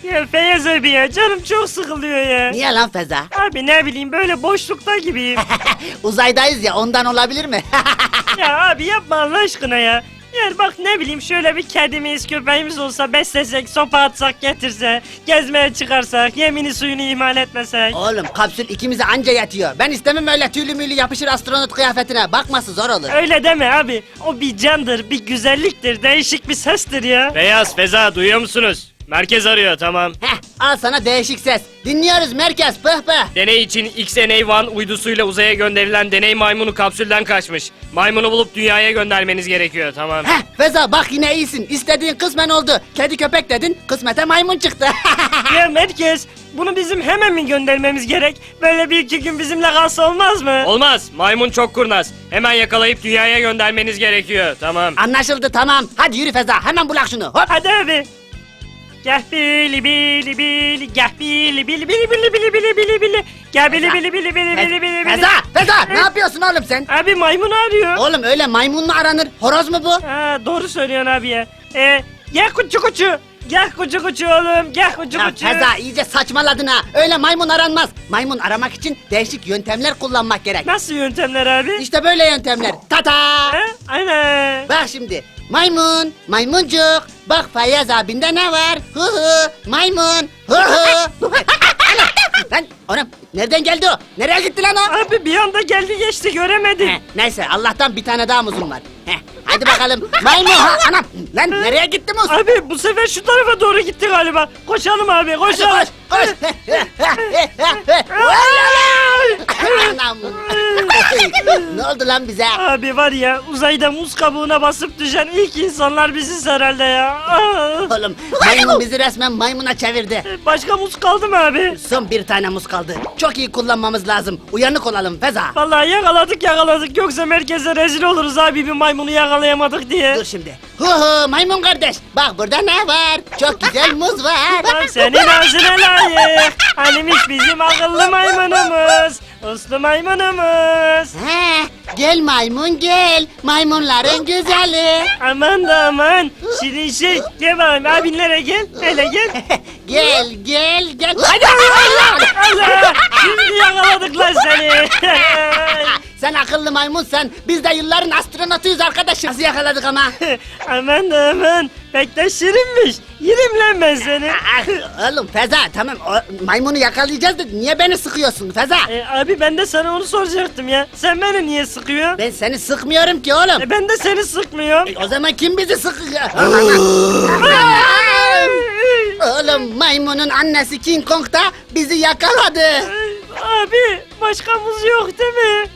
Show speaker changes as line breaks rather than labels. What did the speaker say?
Ya Feyyaz abi ya canım çok sıkılıyor ya.
Niye lan Feza?
Abi ne bileyim böyle boşlukta gibiyim.
Uzaydayız ya, ondan olabilir mi?
Ya abi yapma Allah aşkına ya. Yani bak ne bileyim şöyle bir kedimiz köpeğimiz olsa beslesek sopa atsak getirse gezmeye çıkarsak yemini suyunu ihmal etmesek.
Oğlum kapsül ikimize anca yatıyor. Ben istemem öyle tüylü müylü yapışır astronot kıyafetine. Bakması zor olur.
Öyle deme abi o bir candır bir güzelliktir değişik bir sestir ya.
Beyaz, Feza duyuyor musunuz? Merkez arıyor, tamam.
Heh, al sana değişik ses. Dinliyoruz merkez, pıh pıh.
Deney için XNA-1 uydusuyla uzaya gönderilen deney maymunu kapsülden kaçmış. Maymunu bulup dünyaya göndermeniz gerekiyor, tamam.
Heh, Feza bak yine iyisin. İstediğin kısmen oldu. Kedi köpek dedin, kısmete maymun çıktı.
Ya merkez bunu bizim hemen mi göndermemiz gerek? Böyle bir iki gün bizimle kalsa olmaz mı?
Olmaz, maymun çok kurnaz. Hemen yakalayıp dünyaya göndermeniz gerekiyor, tamam.
Anlaşıldı, tamam. Hadi yürü Feza, hemen bulak şunu. Hop.
Hadi abi. Gel bili bili bili gel bili bili bili bili bili bili bili bili gel bili bili bili bili bili bili bili.
Feza, ne yapıyorsun oğlum sen?
Abi maymun arıyor.
Oğlum öyle maymun mu aranır? Horoz mu bu?
Ha, doğru söylüyorsun abi ya. Gel kuçu kuçu. Gel kuçu kuçu oğlum. Gel kuçu
Ya
kuçu.
Feza iyice saçmaladın ha. Öyle maymun aranmaz. Maymun aramak için değişik yöntemler kullanmak gerek.
Nasıl yöntemler abi?
İşte böyle yöntemler. Tata!
Ha? Aynen.
Bak şimdi. Maymun, maymuncuk. Bak Feyyaz abinde ne var? Hı hı, maymun. Hı hı. Lan oğlum nereden geldi o? Nereye gitti lan o?
Abi bir anda geldi geçti göremedim.
Neyse Allah'tan bir tane daha muzum var. Hadi bakalım. Maymun ha anam. Lan nereye gitti muz?
Abi bu sefer şu tarafa doğru gitti galiba. Koşalım abi
Hadi
koşalım.
koş koş. Anam. Ne oldu lan bize?
Abi var ya uzayda muz kabuğuna basıp düşen ilk insanlar biziz herhalde ya.
Oğlum maymun bizi resmen maymuna çevirdi.
Başka muz kaldı mı abi?
Son bir tane muz kaldı. Çok iyi kullanmamız lazım. Uyanık olalım Feza.
Vallahi yakaladık yoksa merkeze rezil oluruz abi bir maymunu yakalayamadık diye.
Dur şimdi. Hu hu maymun kardeş. Bak burada ne var? Çok güzel muz var.
Lan senin ağzına layık. Hanimiş bizim akıllı maymunumuz. Uslu maymunumuz.
He, gel maymun gel. Maymunların güzeli.
Aman da aman. Şirin şey. Gel bakayım abinlere gel. Hele gel.
Gel gel gel. Hadi
Allah. Şimdi yakaladık lan seni.
Sen akıllı maymun sen. Biz de yılların astronotuyuz arkadaşım. Nasıl yakaladık ama?
Aman da aman. Pek de şirinmiş. Yerim lan ben seni.
Oğlum Feza tamam maymunu yakalayacağız da niye beni sıkıyorsun Feza?
Abi ben de sana onu soracaktım ya. Sen beni niye sıkıyorsun?
Ben seni sıkmıyorum ki oğlum.
Ben de seni sıkmıyorum.
O zaman kim bizi sıkıyor? Oğlum maymunun annesi King Kong da bizi yakaladı.
Abi başka muz yok değil mi?